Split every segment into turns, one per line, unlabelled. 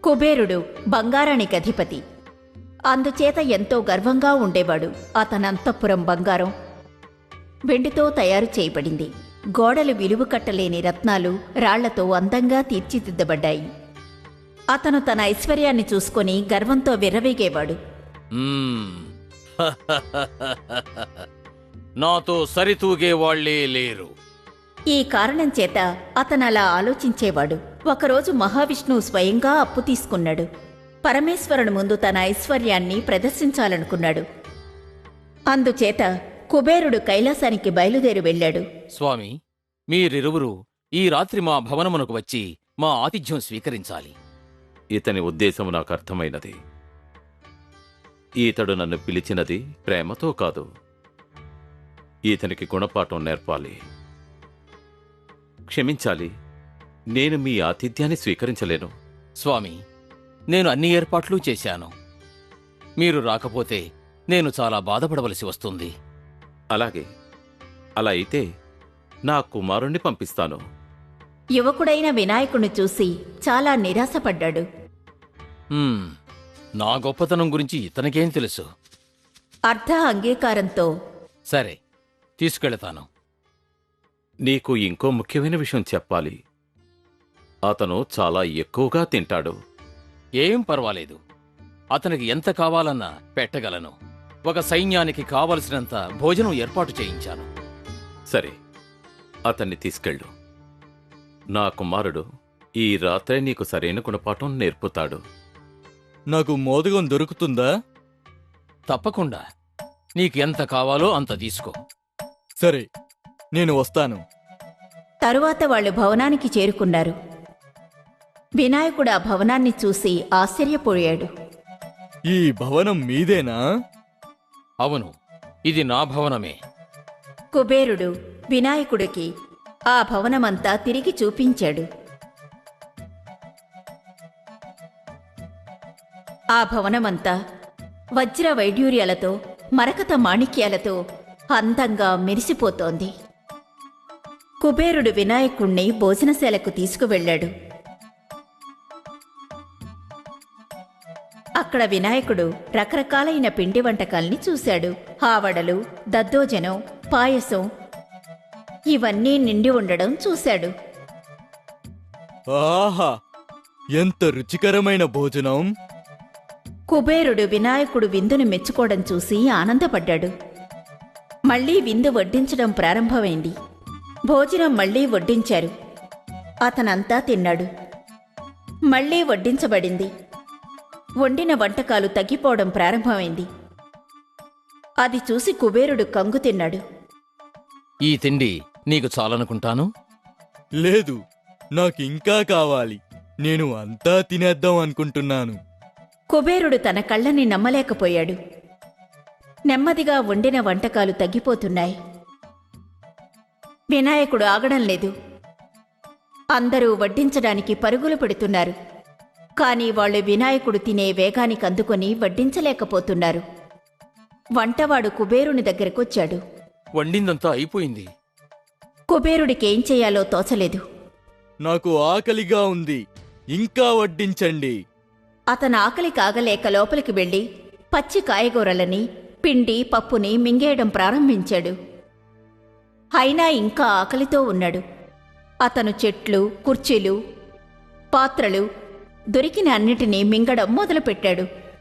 కుబేరుడు బంగారానికి అధిపతి. అందుచేత ఎంతో గర్వంగా ఉండేవాడు. అతనంతఃపురం బంగారం, వెండితో తయారు చేయబడింది. గోడలు విలువ కట్టలేని రత్నాలు, రాళ్లతో అందంగా తీర్చిదిద్దబడ్డాయి. అతను తన ఐశ్వర్యాన్ని చూసుకొని గర్వంతో విర్రవీగేవాడు.
నాతో సరితూగే వాళ్లే లేరు.
ఈ కారణం చేత అతనలా ఆలోచించేవాడు. ఒకరోజు మహావిష్ణువు స్వయంగా అప్పు తీసుకున్నాడు. పరమేశ్వరుని ముందు తన ఐశ్వర్యాన్ని ప్రదర్శించాలనుకున్నాడు. అందుచేత కుబేరుడు కైలాసానికి బయలుదేరి వెళ్ళాడు.
స్వామి, మీరిరువురు ఈ రాత్రి మా భవనమునకు వచ్చి మా ఆతిథ్యం స్వీకరించాలి.
ఇతని ఉద్దేశం నాకు అర్థమైనది. ఈతడు నన్ను పిలిచినది ప్రేమతో కాదు. ఈతనికి గుణపాఠం నేర్పాలి. క్షమించాలి, నేను మీ ఆతిథ్యాన్ని స్వీకరించలేను.
స్వామి, నేను అన్ని ఏర్పాట్లు చేశాను. మీరు రాకపోతే నేను చాలా బాధపడవలసి వస్తుంది.
అలాగే, అలా అయితే నా కుమారుణ్ణి పంపిస్తాను.
యువకుడైన వినాయకుణ్ణి చూసి చాలా నిరాశపడ్డాడు.
నా గొప్పతనం గురించి ఇతనికేం తెలుసు?
అర్ధ అంగీకారంతో
సరే, తీసుకెళతాను.
నీకు ఇంకో ముఖ్యమైన విషయం చెప్పాలి. అతను చాలా ఎక్కువగా తింటాడు.
ఏం పర్వాలేదు, అతనికి ఎంత కావాలన్నా పెట్టగలను. ఒక సైన్యానికి కావలసినంత భోజనం ఏర్పాటు చేయించాను.
సరే, అతన్ని తీసుకెళ్ళు. నా కుమారుడు ఈ రాత్రే నీకు సరైన గుణపాఠం నేర్పుతాడు.
నాకు మోదకం దొరుకుతుందా?
తప్పకుండా. నీకు ఎంత కావాలో అంత తీసుకో.
సరే, నేను వస్తాను.
తరువాత వాళ్ళు భవనానికి చేరుకున్నారు. వినాయకుడు ఆ భవనాన్ని చూసి ఆశ్చర్యపోయాడు.
ఈ భవనం మీదేనా?
అవును, ఇది నా భవనమే.
కుబేరుడు వినాయకుడికి ఆ భవనమంతా తిరిగి చూపించాడు. ఆ భవనమంతా వజ్ర వైడ్యూర్యాలతో, మరకత మాణిక్యాలతో అందంగా మెరిసిపోతోంది. కుబేరుడు వినాయకుణ్ణి భోజనశాలకు తీసుకువెళ్ళాడు. అక్కడ వినాయకుడు రకరకాలైన పిండి వంటకాల్ని చూశాడు. ఆవడలు, దద్దోజనం, పాయసం ఇవన్నీ నిండి ఉండడం చూశాడు.
ఆహా, ఎంత రుచికరమైన భోజనం!
కుబేరుడు వినాయకుడు విందును మెచ్చుకోవడం చూసి ఆనందపడ్డాడు. మళ్లీ విందు వడ్డించడం ప్రారంభమైంది. భోజనం మళ్లీ వడ్డించారు. అతనంతా తిన్నాడు. మళ్లీ వడ్డించబడింది. వండిన వంటకాలు తగ్గిపోవడం ప్రారంభమైంది. అది చూసి కుబేరుడు కంగు తిన్నాడు.
ఈ తిండి నీకు చాలనుకుంటాను.
లేదు, నాకింకా కావాలి. నేను అంతా తినేద్దాం అనుకుంటున్నాను.
కుబేరుడు తన కళ్ళని నమ్మలేకపోయాడు. నెమ్మదిగా వండిన వంటకాలు తగ్గిపోతున్నాయి. వినాయకుడు ఆగడం లేదు. అందరూ వడ్డించడానికి పరుగులు పెడుతున్నారు. కాని వాళ్ళు వినాయకుడు తినే వేగానికి అందుకొని వడ్డించలేకపోతున్నారు. వంటవాడు కుబేరుని దగ్గరకొచ్చాడు.
వండిందంతా అయిపోయింది.
కుబేరుడికేం చెయ్యాలో తోచలేదు.
నాకు ఆకలిగా ఉంది, ఇంకా వడ్డించండి.
అతను ఆకలి కాగలేక లోపలికి వెళ్లి పచ్చి కాయగూరలని, పిండి, పప్పుని మింగేయడం ప్రారంభించాడు. అయినా ఇంకా ఆకలితో ఉన్నాడు. అతను చెట్లు, కుర్చీలు, పాత్రలు దొరికిన అన్నిటినీ మింగడం మొదలుపెట్టాడు.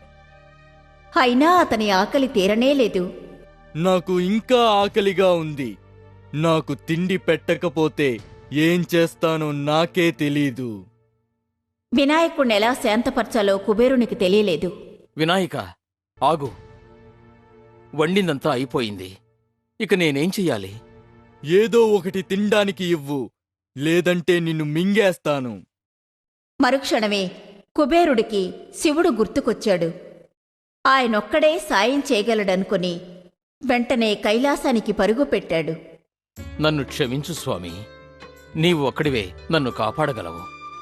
అయినా అతని ఆకలి తీరనేలేదు.
నాకు ఇంకా ఆకలిగా ఉంది. నాకు తిండి పెట్టకపోతే ఏం చేస్తానో నాకే తెలీదు.
వినాయకుణ్ణి ఎలా శాంతపరచాలో కుబేరునికి తెలియలేదు.
వినాయక, ఆగు. వండిందంతా అయిపోయింది. ఇక నేనేం చెయ్యాలి?
ఏదో ఒకటి తినడానికి ఇవ్వు, లేదంటే నిన్ను మింగేస్తాను.
మరుక్షణమే కుబేరుడికి శివుడు గుర్తుకొచ్చాడు. ఆయనొక్కడే సాయం చేయగలడనుకుని వెంటనే కైలాసానికి పరుగుపెట్టాడు.
నన్ను క్షమించు స్వామి, నీవు ఒక్కడివే నన్ను కాపాడగలవు.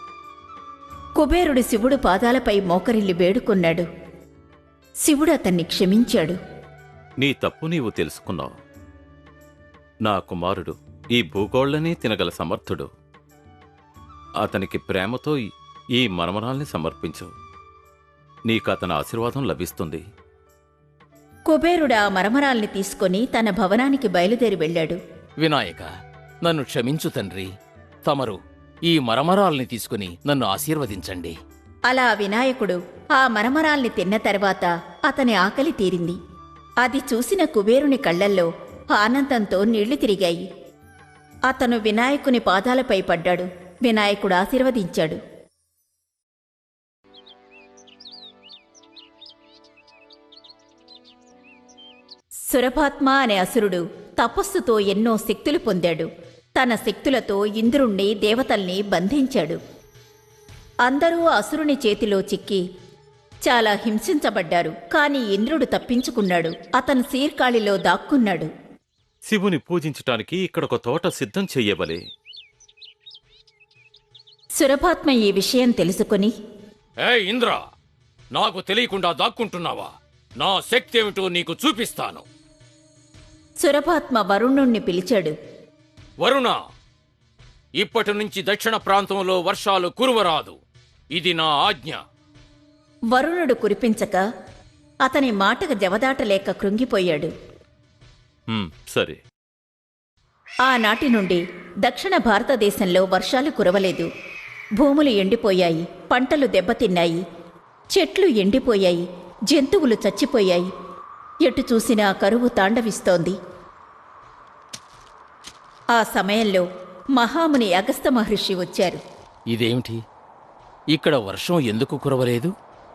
కుబేరుడు శివుడు పాదాలపై మోకరిల్లి వేడుకొన్నాడు. శివుడు అతన్ని క్షమించాడు.
నీ తప్పు నీవు తెలుసుకున్నావు. నా కుమారుడు ఈ భూగోళ్లనే తినగల సమర్థుడు. అతనికి ప్రేమతో ఈ మరమరాల్ని సమర్పించు. నీకతని ఆశీర్వాదం లభిస్తుంది.
కుబేరుడు ఆ మరమరాల్ని తీసుకొని తన భవనానికి బయలుదేరి వెళ్ళాడు.
వినాయక, నన్ను క్షమించు తండ్రి. తమరు ఈ మరమరాల్ని తీసుకుని నన్ను ఆశీర్వదించండి.
అలా వినాయకుడు ఆ మరమరాల్ని తిన్న తర్వాత అతని ఆకలి తీరింది. అది చూసిన కుబేరుని కళ్ళల్లో ఆనందంతో నీళ్లు తిరిగాయి. అతను వినాయకుని పాదాలపై పడ్డాడు. వినాయకుడు ఆశీర్వదించాడు. సురభాత్మ అనే అసురుడు తపస్సుతో ఎన్నో శక్తులు పొందాడు. తన శక్తులతో ఇంద్రుణ్ణి, దేవతల్ని బంధించాడు. అందరూ అసురుని చేతిలో చిక్కి చాలా హింసించబడ్డారు. కాని ఇంద్రుడు తప్పించుకున్నాడు. అతను శీర్కాళిలో దాక్కున్నాడు.
శివుని పూజించటానికి ఇక్కడొక తోట సిద్ధం చెయ్యవలే.
సురభాత్మ ఈ విషయం తెలుసుకుని,
ఏ ఇంద్ర, నాకు తెలియకుండా దాక్కుంటున్నావా? నా శక్తి ఏమిటో నీకు చూపిస్తాను.
సురభాత్మ వరుణుణ్ణి పిలిచాడు.
వరుణ, ఇప్పటి నుంచి దక్షిణ ప్రాంతంలో వర్షాలు కురువరాదు. ఇది నా ఆజ్ఞ.
వరుణుడు కురిపించక అతని మాటకు జవదాటలేక కృంగిపోయాడు.
సరే.
ఆనాటి నుండి దక్షిణ భారతదేశంలో వర్షాలు కురవలేదు. భూములు ఎండిపోయాయి, పంటలు దెబ్బతిన్నాయి, చెట్లు ఎండిపోయాయి, జంతువులు చచ్చిపోయాయి. ఎటు చూసినా కరువు తాండవిస్తోంది. ఆ సమయంలో మహాముని అగస్త్య మహర్షి వచ్చారు.
ఇదేమిటి? ఇక్కడ వర్షం ఎందుకు కురవలేదు?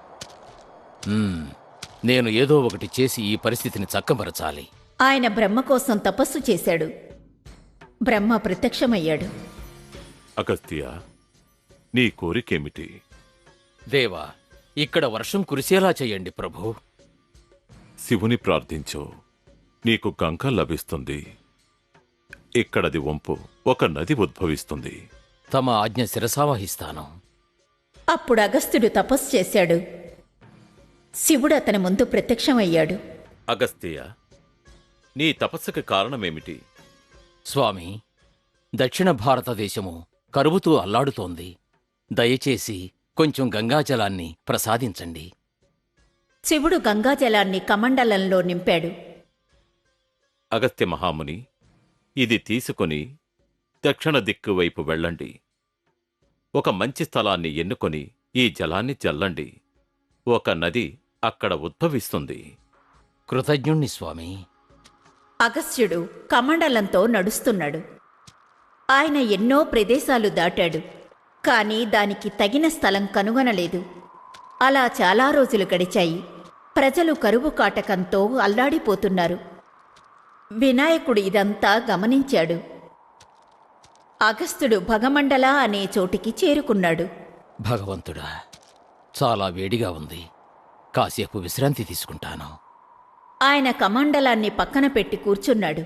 నేను ఏదో ఒకటి చేసి ఈ పరిస్థితిని చక్కబరచాలి.
ఆయన బ్రహ్మ కోసం తపస్సు చేశాడు. బ్రహ్మ ప్రత్యక్షమయ్యాడు.
అగస్త్య, నీ కోరికేమిటి?
దేవా, ఇక్కడ వర్షం కురిసేలా చెయ్యండి ప్రభు.
శివుని ప్రార్థించు, నీకు గంగ లభిస్తుంది. ఇక్కడది వంపు, ఒక నది ఉద్భవిస్తుంది.
తమ ఆజ్ఞ శిరసావహిస్తాను.
అప్పుడు అగస్త్యుడు తపస్సు చేశాడు. శివుడు అతని ముందు ప్రత్యక్షమయ్యాడు.
అగస్త్య, నీ తపస్సుకి కారణమేమిటి?
స్వామి, దక్షిణ భారతదేశము కరువుతూ అల్లాడుతోంది. దయచేసి కొంచెం గంగాజలాన్ని ప్రసాదించండి.
శివుడు గంగాజలాన్ని కమండలంలో నింపాడు.
అగస్త్య మహాముని, ఇది తీసుకొని దక్షిణ దిక్కు వైపు వెళ్ళండి. ఒక మంచి స్థలాన్ని ఎన్నుకొని ఈ జలాన్ని చల్లండి. ఒక నది అక్కడ ఉద్భవిస్తుంది.
కృతజ్ఞుణ్ణి స్వామి.
అగస్త్యుడు కమండలంతో నడుస్తున్నాడు. ఆయన ఎన్నో ప్రదేశాలు దాటాడు. కాని దానికి తగిన స్థలం కనుగొనలేదు. అలా చాలా రోజులు గడిచాయి. ప్రజలు కరువు కాటకంతో అల్లాడిపోతున్నారు. వినాయకుడు ఇదంతా గమనించాడు. అగస్త్యుడు భగమండల అనే చోటికి చేరుకున్నాడు.
భగవంతుడా, చాలా వేడిగా ఉంది. కాసేపు విశ్రాంతి తీసుకుంటాను.
ఆయన కమండలాన్ని పక్కన పెట్టి కూర్చున్నాడు.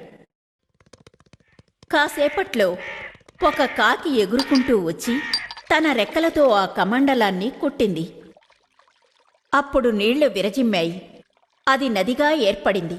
కాసేపట్లో ఒక కాకి ఎగురుకుంటూ వచ్చి తన రెక్కలతో ఆ కమండలాన్ని కొట్టింది. అప్పుడు నీళ్లు విరజిమ్మాయి. అది నదిగా ఏర్పడింది.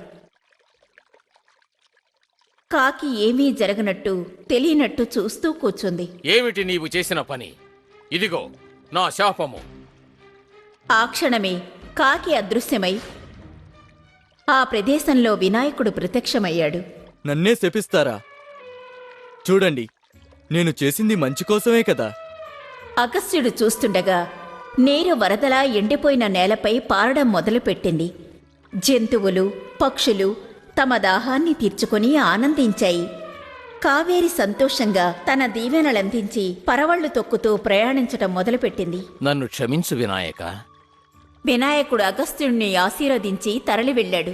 కాకి ఏమీ జరగనట్టు తెలియనట్టు చూస్తూ కూర్చుంది.
ఏమిటి నీవు చేసిన పని? ఇదిగో నా శాపము.
ఆ క్షణమే కాకి అదృశ్యమై ఆ ప్రదేశంలో వినాయకుడు ప్రత్యక్షమయ్యాడు.
నన్నే శపిస్తారా? చూడండి, నేను చేసింది మంచి కోసమే కదా.
అగస్త్యుడు చూస్తుండగా నీరు వరదలా ఎండిపోయిన నేలపై పారడం మొదలుపెట్టింది. జంతువులు, పక్షులు తమ దాహాన్ని తీర్చుకొని ఆనందించాయి. కావేరి సంతోషంగా తన దీవెనలందించి పరవళ్లు తొక్కుతూ ప్రయాణించటం మొదలుపెట్టింది.
నన్ను క్షమించు వినాయక.
వినాయకుడు అగస్త్యుణ్ణి ఆశీర్వదించి తరలి వెళ్ళాడు.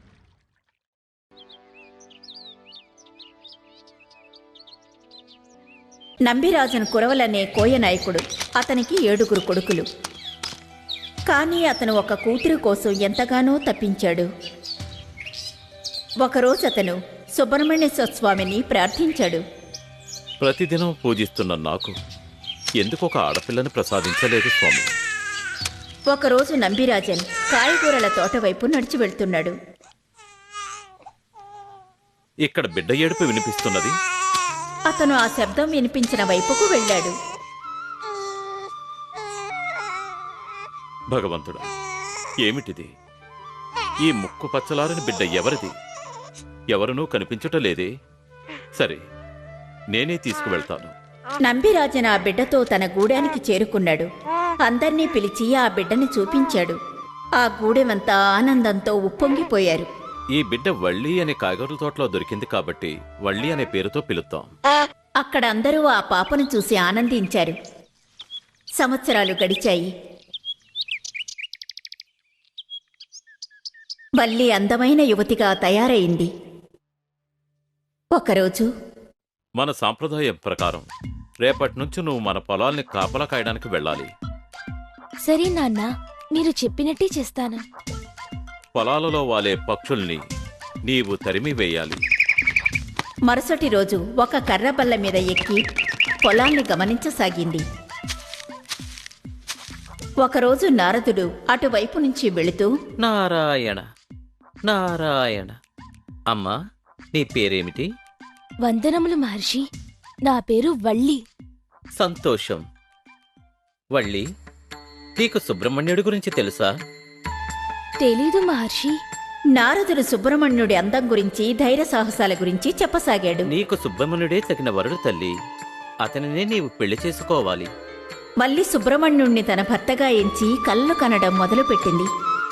నంబిరాజన్ కురవలనే కోయనాయకుడు. అతనికి 7 కొడుకులు. కానీ అతను ఒక కూతురు కోసం ఎంతగానో తప్పించాడు. ఒకరోజు అతను సుబ్రహ్మణ్యేశ్వర స్వామిని ప్రార్థించాడు.
ప్రతిదినం పూజిస్తున్న నాకు ఎందుకొక ఆడపిల్లని ప్రసాదించలేదు స్వామి?
ఒకరోజు నంబిరాజన్ కాయగూరల తోట వైపు నడిచి వెళ్తున్నాడు.
ఇక్కడ బిడ్డ ఏడుపు వినిపిస్తున్నది.
అతను ఆ శబ్దం వినిపించిన వైపుకు వెళ్ళాడు.
భగవంతుడా, ఏమిటిది? ఈ ముక్కు పచ్చలారని బిడ్డ ఎవరిది? ఎవరునూ కనిపించటలేదే? సరే, నేనే తీసుకువెళ్తాను.
నంబిరాజన్ ఆ బిడ్డతో తన గూడానికి చేరుకున్నాడు. అందర్నీ పిలిచి ఆ బిడ్డని చూపించాడు. ఆ గూడెమంతా ఆనందంతో ఉప్పొంగిపోయారు.
ఈ బిడ్డ వళ్ళీ అనే కాయగూరల తోటలో దొరికింది కాబట్టి వళ్ళీ అనే పేరుతో పిలుద్దాం.
అక్కడ అందరూ ఆ పాపను చూసి ఆనందించారు. సంవత్సరాలు గడిచాయి. వల్లి అందమైన యువతిగా తయారైంది. ఒకరోజు
మన సాంప్రదాయం ప్రకారం రేపటి నుంచి నువ్వు మన పొలాల్ని కాపలా కాయడానికి వెళ్ళాలి.
సరే నాన్న, మీరు చెప్పినట్టే చేస్తాను.
పొలాలలో వాలే పక్షుల్ని నీవు తరిమి వేయాలి.
మరుసటి రోజు ఒక కర్రబల్ల మీద ఎక్కి పొలాన్ని గమనించసాగింది. ఒకరోజు నారదుడు అటువైపు నుంచి వెళుతూ,
నారాయణ నారాయణ. అమ్మా, నీ పేరేమిటి?
వందనములు మహర్షి. నా పేరు వల్లి.
సంతోషం. వళ్ళి, నీకు సుబ్రహ్మణ్యుడి గురించి తెలుసా?
తెలీదు మహర్షి.
నారదుడు సుబ్రహ్మణ్యుడి అందం గురించి, ధైర్య సాహసాల గురించి చెప్పసాగాడు.
నీకు సుబ్రహ్మణ్యుడే తగిన వరుడు తల్లి. అతనినే నీవు పెళ్లి చేసుకోవాలి.
వల్లి సుబ్రహ్మణ్యుణ్ణి తన భర్తగా ఎంచి కళ్ళు కనడం మొదలుపెట్టింది.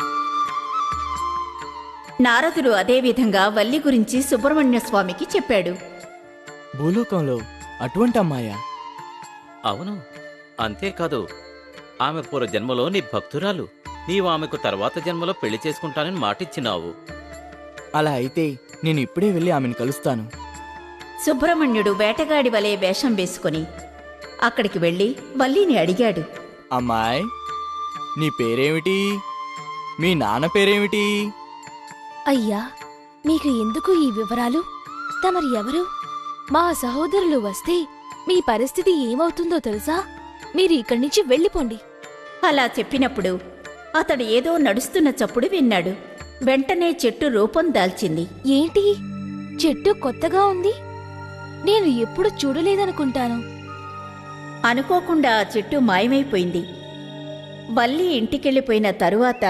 నారదుడు అదేవిధంగా వల్లి గురించి సుబ్రహ్మణ్య స్వామికి చెప్పాడు.
భూలోకంలో అటువంటి అమ్మాయా?
అవును, అంతేకాదు, ఆమె పూర్వ జన్మలో నీ భక్తురాలు. నీవు ఆమెకు తర్వాత జన్మలో పెళ్లి చేసుకుంటానని మాటిచ్చినావు.
అలా అయితే నేను ఇప్పుడే వెళ్ళి ఆమెను కలుస్తాను.
సుబ్రహ్మణ్యుడు వేటగాడి వలె వేషం వేసుకుని అక్కడికి వెళ్లి వల్లిని అడిగాడు.
అమ్మాయ్, నీ పేరేమిటి? మీ నాన్న పేరేమిటి?
అయ్యా, మీకు ఎందుకు ఈ వివరాలు? తమరు ఎవరు? మా సహోదరులు వస్తే మీ పరిస్థితి ఏమవుతుందో తెలుసా? మీరు ఇక్కడి నుంచి వెళ్ళిపోండి.
అలా చెప్పినప్పుడు అతడు ఏదో నడుస్తున్న చప్పుడు విన్నాడు. వెంటనే చెట్టు రూపం దాల్చింది.
ఏంటి? చెట్టు కొత్తగా ఉంది. నేను ఎప్పుడు చూడలేదనుకుంటాను.
అనుకోకుండా ఆ చెట్టు మాయమైపోయింది. వల్లి ఇంటికెళ్ళిపోయిన తరువాత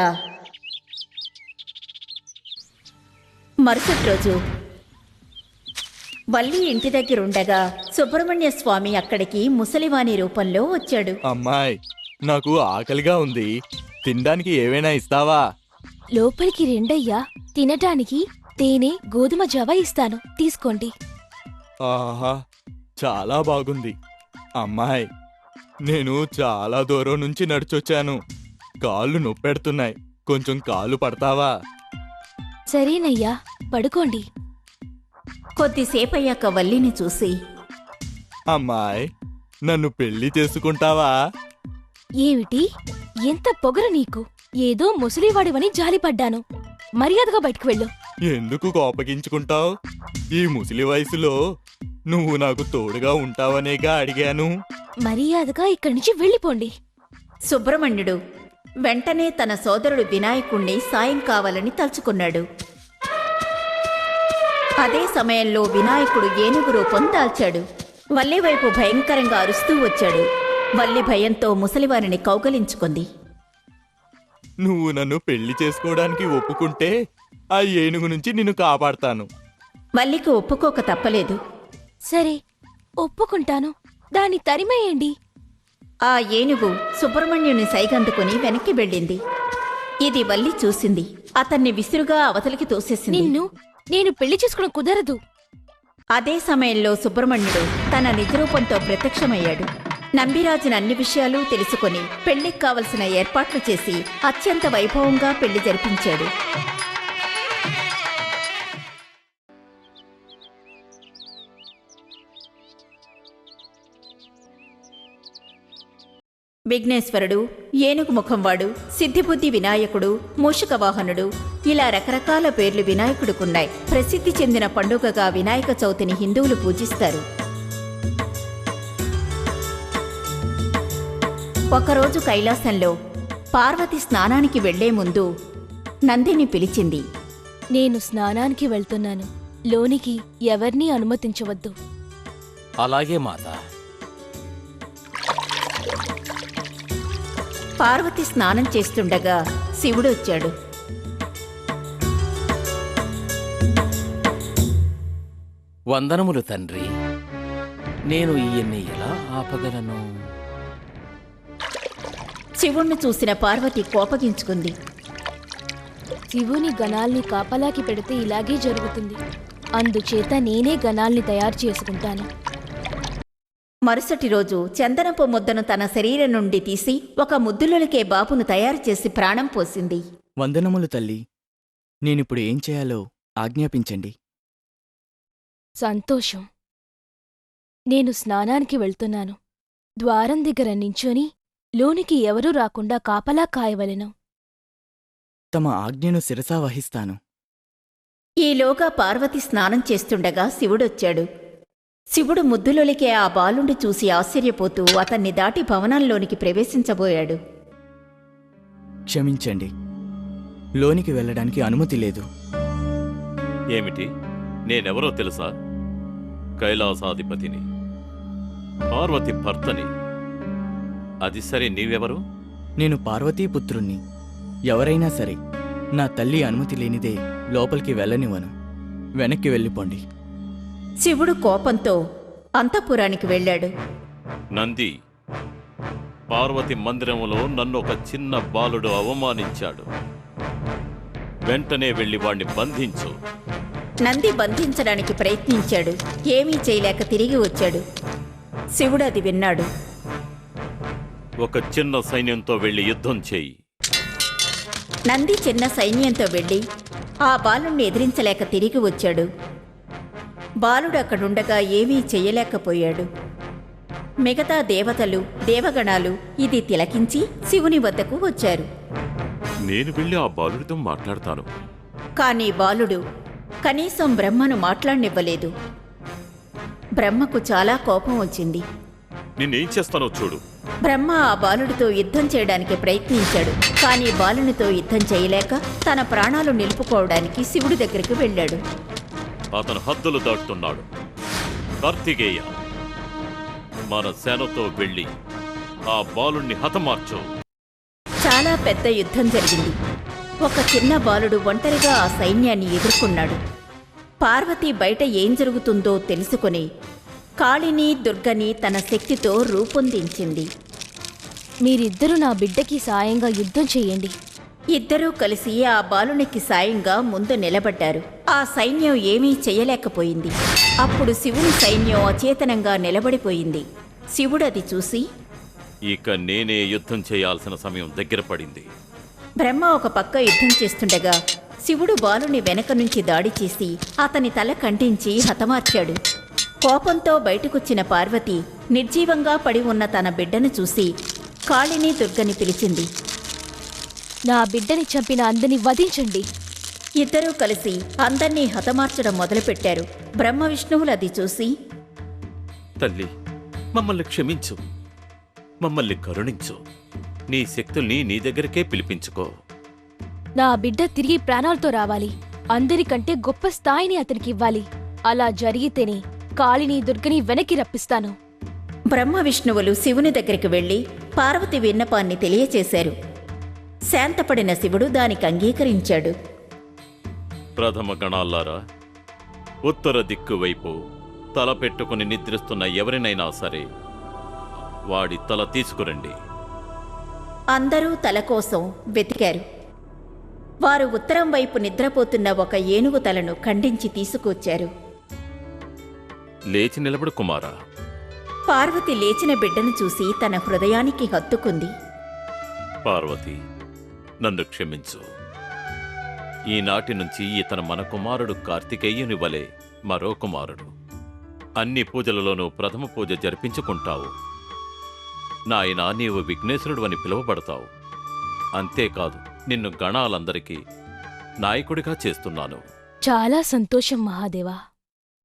మరుసటి రోజు వల్లి ఇంటి దగ్గరుండగా సుబ్రహ్మణ్య స్వామి అక్కడికి ముసలివాని రూపంలో వచ్చాడు.
అమ్మాయ్, నాకు ఆకలిగా ఉంది. తినడానికి ఏవైనా ఇస్తావా?
లోపలికి రెండయ్యా. తినటానికి తేనె, గోధుమ జావ ఇస్తాను, తీసుకోండి.
ఆహా, చాలా బాగుంది. అమ్మాయ్, నేను చాలా దూరం నుంచి నడిచొచ్చాను. కాళ్ళు నొప్పెడుతున్నాయి. కొంచెం కాళ్ళు పడతావా?
సరేనయ్యా, పడుకోండి.
కొద్దిసేపయ్యాక వల్లిని చూసి,
అమ్మాయ్, నన్ను పెళ్లి చేసుకుంటావా?
ఏమిటి? ఎంత పొగరు నీకు! ఏదో ముసలివాడివని జాలిపడ్డాను. మర్యాదగా బయటికి వెళ్ళు.
ఎందుకు కోపగించుకుంటావు? ఈ ముసలి వయసులో నువ్వు నాకు తోడుగా ఉంటావనేగా అడిగాను.
మర్యాదగా ఇక్కడి నుంచి వెళ్ళిపోండి.
సుబ్రహ్మణ్యుడు వెంటనే తన సోదరుడు వినాయకుణ్ణి సాయం కావాలని తలుచుకున్నాడు. అదే సమయంలో వినాయకుడు ఏనుగు రూపం దాల్చాడు. వల్లి వైపు భయంకరంగా అరుస్తూ వచ్చాడు. వల్లి భయంతో ముసలివారిని కౌగలించుకుంది.
నువ్వు నన్ను పెళ్లి చేసుకోవడానికి ఒప్పుకుంటే ఆ ఏనుగు నుంచి నిన్ను కాపాడతాను.
వల్లికి ఒప్పుకోక తప్పలేదు.
సరే, ఒప్పుకుంటాను. దాన్ని తరిమేయండి.
ఆ ఏనుగు సుబ్రహ్మణ్యుని సైగందుకుని వెనక్కి వెళ్ళింది. ఇది వల్లి చూసింది. అతన్ని విసురుగా అవతలికి తోసేసింది.
నేను పెళ్లి చేసుకోవడం కుదరదు.
అదే సమయంలో సుబ్రహ్మణ్యుడు తన నిజరూపంతో ప్రత్యక్షమయ్యాడు. నంబిరాజును అన్ని విషయాలు తెలుసుకొని పెళ్లికి కావలసిన ఏర్పాట్లు చేసి అత్యంత వైభవంగా పెళ్లి జరిపించాడు. విఘ్నేశ్వరుడు, ఏనుగు ముఖంవాడు, సిద్ధిబుద్ధి వినాయకుడు, మూషిక వాహనుడు, ఇలా రకరకాల పేర్లు వినాయకుడుకున్నాయి. ప్రసిద్ధి చెందిన పండుగగా వినాయక చవితిని హిందువులు పూజిస్తారు. ఒకరోజు కైలాసంలో పార్వతి స్నానానికి వెళ్లే ముందు నందిని పిలిచింది.
నేను స్నానానికి వెళ్తున్నాను. లోనికి ఎవర్నీ అనుమతించవద్దు.
అలాగే మాత.
పార్వతి స్నానం చేస్తుండగా శివుడొచ్చాడు.
వందనములు తండ్రి. నేను ఈయన్ని ఎలా ఆపగలను?
శివుణ్ణి చూసిన పార్వతి కోపగించుకుంది.
శివుని గణాల్ని కాపలాకి పెడితే ఇలాగే జరుగుతుంది. అందుచేత నేనే గణాల్ని తయారు చేసుకుంటాను.
మరుసటి రోజు చందనపు ముద్దను తన శరీరం నుండి తీసి ఒక ముద్దులొలికే బాబును తయారు చేసి ప్రాణం పోసింది.
వందనములు తల్లి. నేనిప్పుడు ఏం చేయాలో ఆజ్ఞాపించండి.
సంతోషం. నేను స్నానానికి వెళ్తున్నాను. ద్వారం దగ్గర నించొని లోనికి ఎవరూ రాకుండా కాపలా కాయవలెను.
తమ ఆజ్ఞను శిరసా వహిస్తాను.
ఈలోగా పార్వతి స్నానం చేస్తుండగా శివుడొచ్చాడు. శివుడు ముద్దులొలికే ఆ బాలుండి చూసి ఆశ్చర్యపోతూ అతన్ని దాటి భవనంలోనికి ప్రవేశించబోయాడు.
క్షమించండి, లోనికి వెళ్ళడానికి అనుమతి లేదు.
ఏమిటి? నేనెవరో తెలుసా? కైలాసాధిపతిని, పార్వతి భర్తని. అది సరే, నీవెవరు?
నేను పార్వతీపుత్రుణ్ణి. ఎవరైనా సరే నా తల్లి అనుమతి లేనిదే లోపలికి వెళ్ళనివ్వను. వెనక్కి వెళ్ళిపోండి.
శివుడు కోపంతో అంతఃపురానికి వెళ్ళాడు.
నంది, పార్వతి మందిరములో నన్ను ఒక చిన్న బాలుడు అవమానించాడు. వెంటనే వెళ్ళి వాణ్ణి బంధించు.
నంది బంధించడానికి ప్రయత్నించాడు. ఏమీ చేయలేక తిరిగి వచ్చాడు. శివుడు అది విన్నాడు.
ఒక చిన్న సైన్యంతో వెళ్ళి యుద్ధం చేయి.
నంది చిన్న సైన్యంతో వెళ్ళి ఆ బాలుణ్ణి ఎదిరించలేక తిరిగి వచ్చాడు. బాలుడు అక్కడుండగా ఏమీ చెయ్యలేకపోయాడు. మిగతా దేవతలు, దేవగణాలు ఇది తిలకించి శివుని వద్దకు వచ్చారు.
నేను వెళ్ళి ఆ బాలుడితో మాట్లాడతాను.
కాని బాలుడు కనీసం బ్రహ్మను మాట్లాడనివ్వలేదు. బ్రహ్మకు చాలా కోపం వచ్చింది.
నిన్నేం చేస్తానో చూడు.
బ్రహ్మ ఆ బాలుడితో యుద్ధం చేయడానికి ప్రయత్నించాడు. కానీ బాలునితో యుద్ధం చేయలేక తన ప్రాణాలు నిలుపుకోవడానికి శివుడి దగ్గరికి వెళ్ళాడు.
అతను హద్దులు దాటుతున్నాడు. కార్తికేయ, మన సేనతో వెళ్ళి ఆ బాలుణ్ణి హతమార్చు.
చాలా పెద్ద యుద్ధం జరిగింది. ఒక చిన్న బాలుడు ఒంటరిగా ఆ సైన్యాన్ని ఎదుర్కొన్నాడు. పార్వతి బయట ఏం జరుగుతుందో తెలుసుకుని కాళిని, దుర్గని తన శక్తితో రూపొందించింది.
మీరిద్దరూ నా బిడ్డకి సాయంగా యుద్ధం చెయ్యండి.
ఇద్దరూ కలిసి ఆ బాలునికి సాయంగా ముందు నిలబడ్డారు. ఆ సైన్యం ఏమీ చెయ్యలేకపోయింది. అప్పుడు శివుని సైన్యం అచేతనంగా నిలబడిపోయింది. శివుడు అది చూసి,
ఇక నేనే యుద్ధం చేయాల్సిన సమయం దగ్గర పడింది.
బ్రహ్మ ఒక పక్క యుద్ధం చేస్తుండగా శివుడు బాలుని వెనక నుంచి దాడి చేసి అతని తల ఖండించి హతమార్చాడు. కోపంతో బయటకొచ్చిన పార్వతి నిర్జీవంగా పడి ఉన్న తన బిడ్డను చూసి కాళిని, దుర్గని పిలిచింది.
నా బిడ్డని చంపిన అందని వధించండి.
ఇద్దరూ కలిసి అందర్నీ హతమార్చడం మొదలుపెట్టారు. బ్రహ్మ విష్ణువులు అది చూసి,
తల్లి, మమ్మల్ని క్షమించు, మమ్మల్ని కరుణించు. నీ శక్తుల్ని నీ దగ్గరకే పిలిపించుకో.
నా బిడ్డ తిరిగి ప్రాణాలతో రావాలి. అందరికంటే గొప్ప స్థాయిని అతనికి ఇవ్వాలి. అలా జరిగితేనే కాళిని, దుర్గని వెనక్కి రప్పిస్తాను.
బ్రహ్మ విష్ణువులు శివుని దగ్గరికి వెళ్లి పార్వతి విన్నపాన్ని తెలియచేశారు. శాంతపడిన శివుడు దానికి అంగీకరించాడు.
ప్రథమ గణాల్లారా, ఉత్తర దిక్కు వైపు తల పెట్టుకుని నిద్రిస్తున్న ఎవరినైనా సరే వాడి తల తీసుకురండి.
అందరూ తల కోసం వెతికారు. వారు ఉత్తరం వైపు నిద్రపోతున్న ఒక ఏనుగు తలను ఖండించి తీసుకొచ్చారు.
లేచి నిలబడు కుమారా.
పార్వతి లేచిన బిడ్డను చూసి తన హృదయానికి హత్తుకుంది.
పార్వతి, నన్ను క్షమించు. ఈనాటి నుంచి ఇతను మన కుమారుడు కార్తికేయుని వలె మరో కుమారుడు. అన్ని పూజలలోనూ ప్రథమ పూజ జరిపించుకుంటావు. నాయనా, నీవు విఘ్నేశ్వరుడు అని పిలువబడతావు. అంతేకాదు, నిన్ను గణాలందరికీ నాయకుడిగా చేస్తున్నాను.
చాలా సంతోషం మహాదేవా.